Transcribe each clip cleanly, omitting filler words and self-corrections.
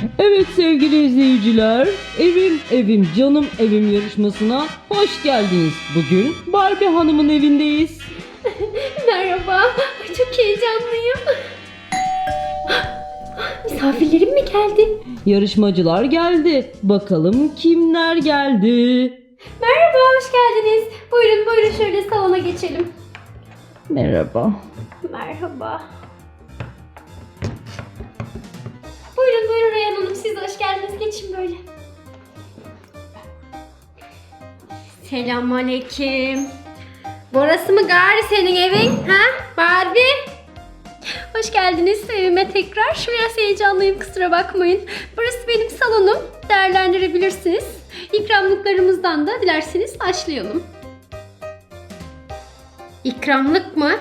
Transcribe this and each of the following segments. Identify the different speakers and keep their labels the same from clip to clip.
Speaker 1: Evet sevgili izleyiciler, Evim Evim Canım Evim yarışmasına hoş geldiniz. Bugün Barbie Hanım'ın evindeyiz.
Speaker 2: Merhaba. Ay, çok heyecanlıyım. Misafirlerim mi geldi?
Speaker 1: Yarışmacılar geldi. Bakalım kimler geldi?
Speaker 2: Merhaba, hoş geldiniz. Buyurun buyurun şöyle salona geçelim.
Speaker 1: Merhaba.
Speaker 2: Merhaba. Buyurun buyurun Reyhan Hanım, siz de hoş geldiniz. Geçin böyle. Selamünaleyküm. Burası mı gari senin evin? Ha? Barbie? Hoş geldiniz evime tekrar. Biraz heyecanlıyım, kusura bakmayın. Burası benim salonum. Değerlendirebilirsiniz. İkramlıklarımızdan da dilerseniz başlayalım. İkramlık mı?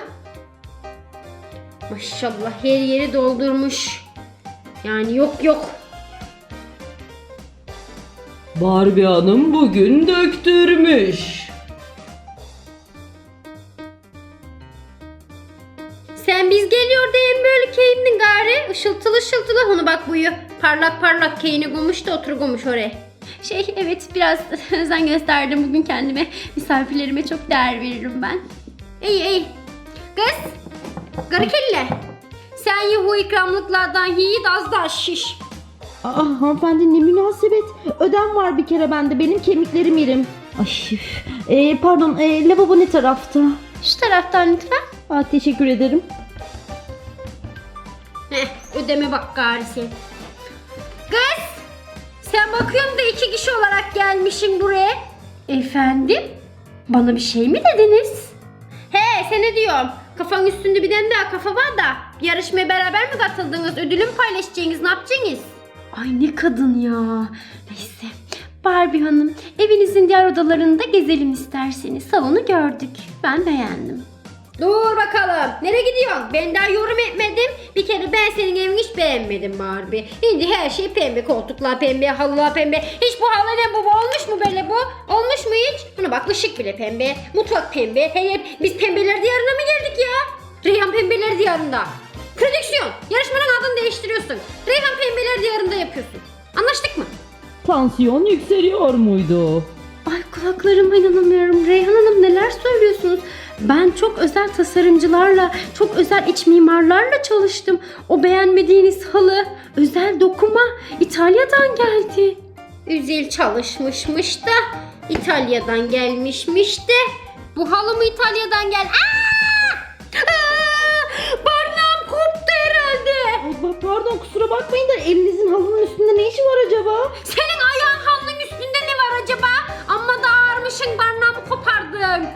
Speaker 2: Maşallah her yeri doldurmuş. Yani yok.
Speaker 1: Barbie Hanım bugün döktürmüş.
Speaker 2: Sen biz geliyor değil mi böyle keyindin gari? Işıltılı ışıltılı. Onu bak buyu. Parlak parlak keyini gumuş da oturgumuş oraya. Evet biraz özen gösterdim bugün kendime. Misafirlerime çok değer veririm ben. İyi. Kız. Garı kelle. Sen ye bu ikramlıklardan yiğit az da şiş.
Speaker 1: Hanımefendi ne münasebet. Ödem var bir kere bende. Benim kemiklerim yerim. Pardon lavabo ne tarafta?
Speaker 2: Şu taraftan lütfen.
Speaker 1: Teşekkür ederim.
Speaker 2: Ödeme bak gari sen. Kız! Sen bakıyorum da 2 kişi olarak gelmişim buraya. Efendim? Bana bir şey mi dediniz? Sana diyorum. Kafanın üstünde bir tane daha kafa var da. Yarışmaya beraber mi katıldınız? Ödülü mü paylaşacaksınız? Ne yapacaksınız? Ay ne kadın ya. Neyse. Barbie Hanım, evinizin diğer odalarında gezelim isterseniz. Salonu gördük. Ben beğendim. Dur bakalım. Nereye gidiyorsun? Ben daha yorum etmedim. Bir kere ben senin evini hiç beğenmedim Barbie. Şimdi her şey pembe. Koltuklar pembe, halılar pembe. Hiç bu halı ne bu? Olmuş mu böyle bu? Olmuş mu hiç? Buna bak, ışık bile pembe. Mutfak pembe. Biz pembeler diyarına mı geldik ya? Reyhan pembeler diyarında. Prodüksiyon. Yarışmanın adını değiştiriyorsun. Reyhan pembeler diyarında yapıyorsun. Anlaştık mı?
Speaker 1: Tansiyon yükseliyor muydu?
Speaker 2: Ay kulaklarıma inanamıyorum. Reyhan Hanım neler söylüyorsunuz? Ben çok özel tasarımcılarla, çok özel iç mimarlarla çalıştım. O beğenmediğiniz halı, özel dokuma İtalya'dan geldi. Özel çalışmışmış da İtalya'dan gelmişmiş de. Bu halı mı İtalya'dan gel? Barnağım koptu herhalde.
Speaker 1: Pardon kusura bakmayın da elinizin halının üstünde ne işi var acaba?
Speaker 2: Senin ayağın halının üstünde ne var acaba? Amma da ağırmışsın, barnağımı kopardın.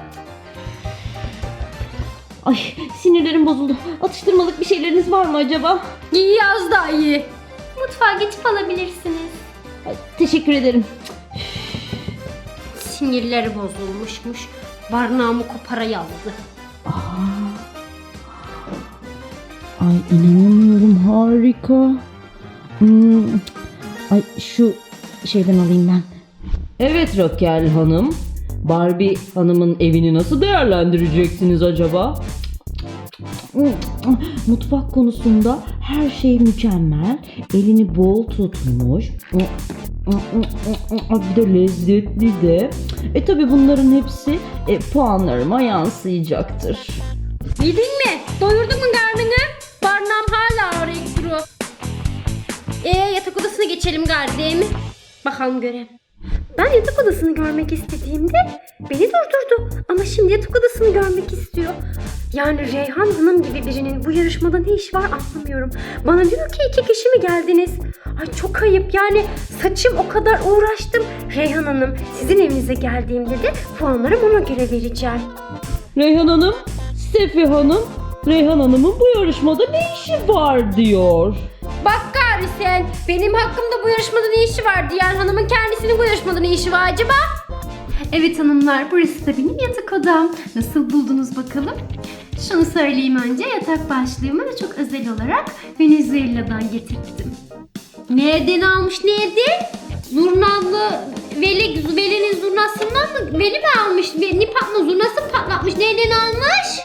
Speaker 1: Ay sinirlerim bozuldu. Atıştırmalık bir şeyleriniz var mı acaba?
Speaker 2: İyi, az daha iyi. Mutfağa geçip alabilirsiniz.
Speaker 1: Ay, teşekkür ederim.
Speaker 2: Sinirleri bozulmuşmuş. Barnağımı kopara yazdı.
Speaker 1: Ay inanamıyorum, harika. Ay şu şeyden alayım ben. Evet Raquel Hanım. Barbie Hanım'ın evini nasıl değerlendireceksiniz acaba? Mutfak konusunda her şey mükemmel. Elini bol tutmuş. Bir de lezzetli de. Tabi bunların hepsi puanlarıma yansıyacaktır.
Speaker 2: Bildin mi? Doyurdun mu karnını? Barnağım hala ağrıyor duruyor. Yatak odasına geçelim gari değil mi? Bakalım görelim. Ben yatak odasını görmek istediğimde beni durdurdu. Ama şimdi yatak odasını görmek istiyor. Yani Reyhan Hanım gibi birinin bu yarışmada ne işi var anlamıyorum. Bana diyor ki 2 kişi mi geldiniz? Ay çok ayıp, yani saçım o kadar uğraştım. Reyhan Hanım, sizin evinize geldiğimde de puanlarımı ona göre vereceğim.
Speaker 1: Reyhan Hanım, Sefi Hanım, Reyhan Hanım'ın bu yarışmada ne işi var diyor.
Speaker 2: Bak gari sen, benim hakkımda bu yarışmada ne işi var diyen hanımın kendisinin bu yarışmada ne işi var acaba? Evet hanımlar, burası da benim yatak odam. Nasıl buldunuz bakalım? Şunu söyleyeyim önce, yatak başlığımı çok özel olarak Venezuela'dan getirttim. Nereden almış, nerede? Zurnalı, Veli'nin zurnasından mı? Veli mi almış? Zurnası mı patlatmış? Nereden almış?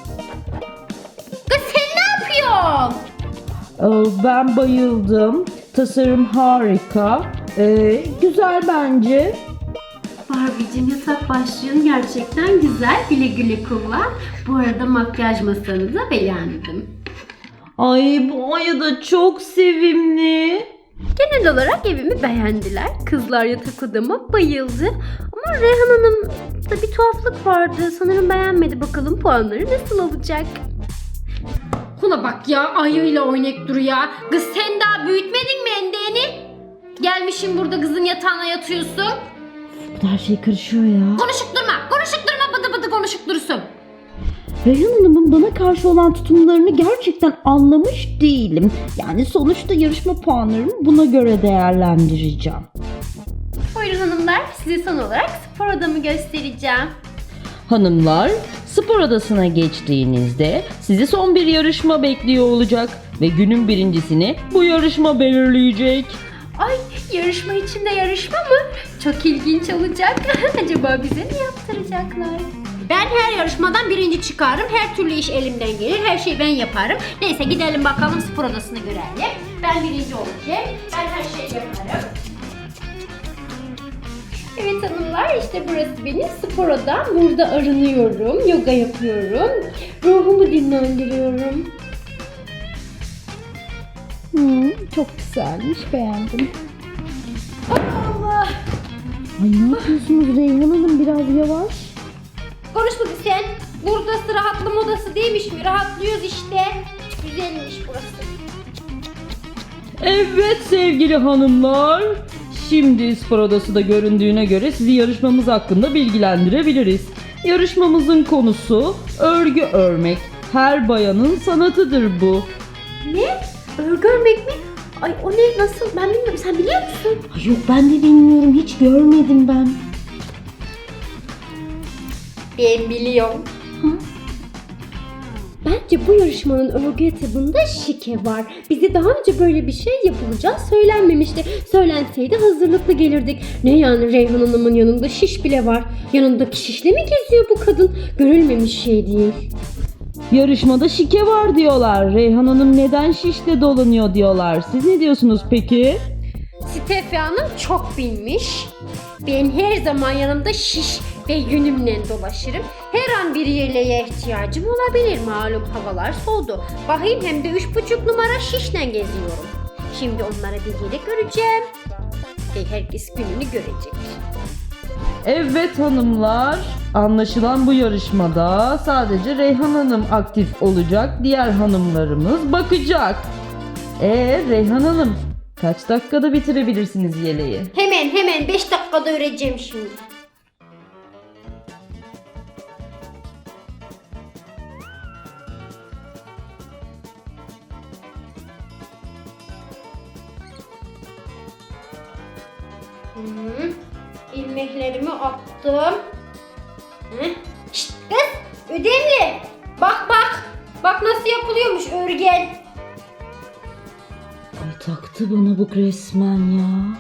Speaker 2: Kız sen ne yapıyorsun?
Speaker 1: Ben bayıldım. tasarım harika. Güzel bence.
Speaker 2: Barbie'cim yatak başlığın gerçekten güzel. Güle güle kullan. Bu arada makyaj masanı da beğendim.
Speaker 1: Ay bu Aya da çok sevimli.
Speaker 2: Genel olarak evimi beğendiler. Kızlar yatak odama bayıldı. Ama Reyhan Hanım'da bir tuhaflık vardı. Sanırım beğenmedi. Bakalım puanları nasıl olacak? Kula bak ya, ayıyla oynayıp duruyor. Kız sen daha büyütmedin mi endeğini? Gelmişim burada kızın yatağına yatıyorsun.
Speaker 1: Her şey karışıyor ya.
Speaker 2: Konuşup durma. Konuşup durma, bıdı bıdı konuşup dursun.
Speaker 1: Reyhan Hanım'ın bana karşı olan tutumlarını gerçekten anlamış değilim. Yani sonuçta yarışma puanlarımı buna göre değerlendireceğim.
Speaker 2: Buyurun hanımlar, size son olarak spor odamı göstereceğim.
Speaker 1: Hanımlar, spor odasına geçtiğinizde sizi son bir yarışma bekliyor olacak ve günün birincisini bu yarışma belirleyecek.
Speaker 2: Ay, yarışma içinde yarışma mı? Çok ilginç olacak. Acaba bize ne yaptıracaklar? Ben her yarışmadan birinci çıkarım. Her türlü iş elimden gelir. Her şeyi ben yaparım. Neyse gidelim bakalım spor odasını görelim. Ben birinci olacağım. Ben her şeyi yaparım. Evet hanımlar, işte burası benim spor odam. Burada arınıyorum, yoga yapıyorum. Ruhumu dinlendiriyorum.
Speaker 1: Çok güzelmiş, beğendim.
Speaker 2: Allah!
Speaker 1: Ay ne yapıyorsunuz Reyhan Hanım, biraz yavaş.
Speaker 2: Konuşma sen. Burası rahatlama odası değilmiş mi? Rahatlıyoruz işte. Güzelmiş burası.
Speaker 1: Evet sevgili hanımlar. Şimdi spor odası da göründüğüne göre sizi yarışmamız hakkında bilgilendirebiliriz. Yarışmamızın konusu örgü örmek. Her bayanın sanatıdır bu.
Speaker 2: Ne? Örgü örmek mi? Ay o ne? Nasıl? Ben bilmiyorum. Sen biliyor musun?
Speaker 1: Ay yok ben de bilmiyorum, hiç görmedim ben.
Speaker 2: Ben biliyorum. Bence bu yarışmanın örgü etabında şike var. Bize daha önce böyle bir şey yapılacağı söylenmemişti. Söylenseydi hazırlıklı gelirdik. Ne yani, Reyhan Hanım'ın yanında şiş bile var. Yanındaki şişle mi geziyor bu kadın? Görülmemiş şey değil.
Speaker 1: Yarışmada şike var diyorlar. Reyhan Hanım neden şişle dolanıyor diyorlar. Siz ne diyorsunuz peki?
Speaker 2: Steffi Hanım çok bilmiş. Ben her zaman yanımda şiş ve yünümle dolaşırım. Her an bir yeleğe ihtiyacım olabilir. Malum havalar soğudu. Bakayım, hem de 3,5 numara şişle geziyorum. Şimdi onlara bir yelek öreceğim. Ve herkes gününü görecek.
Speaker 1: Evet hanımlar, anlaşılan bu yarışmada sadece Reyhan Hanım aktif olacak, diğer hanımlarımız bakacak. Reyhan Hanım, kaç dakikada bitirebilirsiniz yeleği?
Speaker 2: Hemen 5 dakikada öreceğim şimdi. İlmeklerimi attım. Şşt kız, ödemli. Bak. Bak nasıl yapılıyormuş örgel.
Speaker 1: Ay taktı bana bu resmen ya.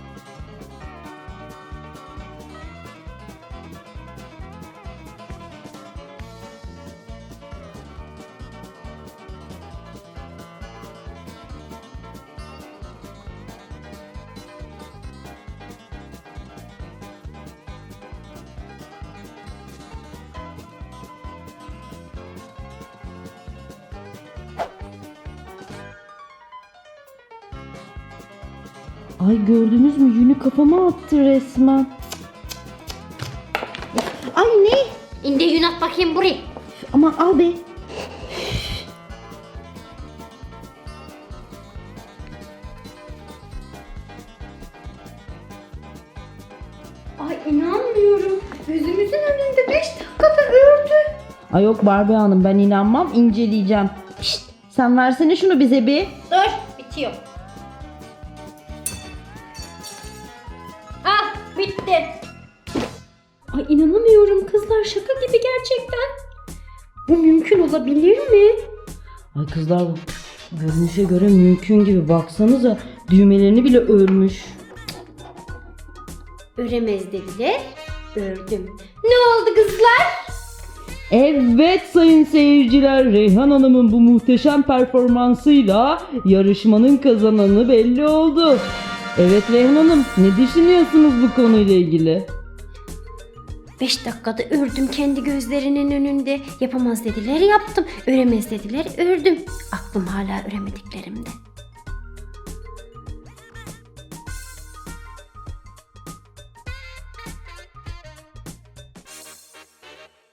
Speaker 1: Ay gördünüz mü, yünü kafama attı resmen. Ay ne?
Speaker 2: İnde yün at bakayım buraya.
Speaker 1: Aman al be.
Speaker 2: Ay inanmıyorum. Gözümüzün önünde 5 dakikada ördü.
Speaker 1: Ay yok Barbie Hanım, ben inanmam, inceleyeceğim. Pişt, sen versene şunu bize bir.
Speaker 2: Dur, bitiyor. Ah, bitti. Ay inanamıyorum kızlar, şaka gibi gerçekten. Bu mümkün olabilir mi?
Speaker 1: Ay kızlar, görünüşe göre mümkün gibi, baksanıza düğmelerini bile örmüş.
Speaker 2: Öremez dediler, ördüm. Ne oldu kızlar?
Speaker 1: Evet sayın seyirciler, Reyhan Hanım'ın bu muhteşem performansıyla yarışmanın kazananı belli oldu. Evet Reyhan Hanım, ne düşünüyorsunuz bu konuyla ilgili?
Speaker 2: 5 dakikada ördüm kendi gözlerinin önünde. Yapamaz dediler yaptım. Öremez dediler ördüm. Aklım hala öremediklerimde.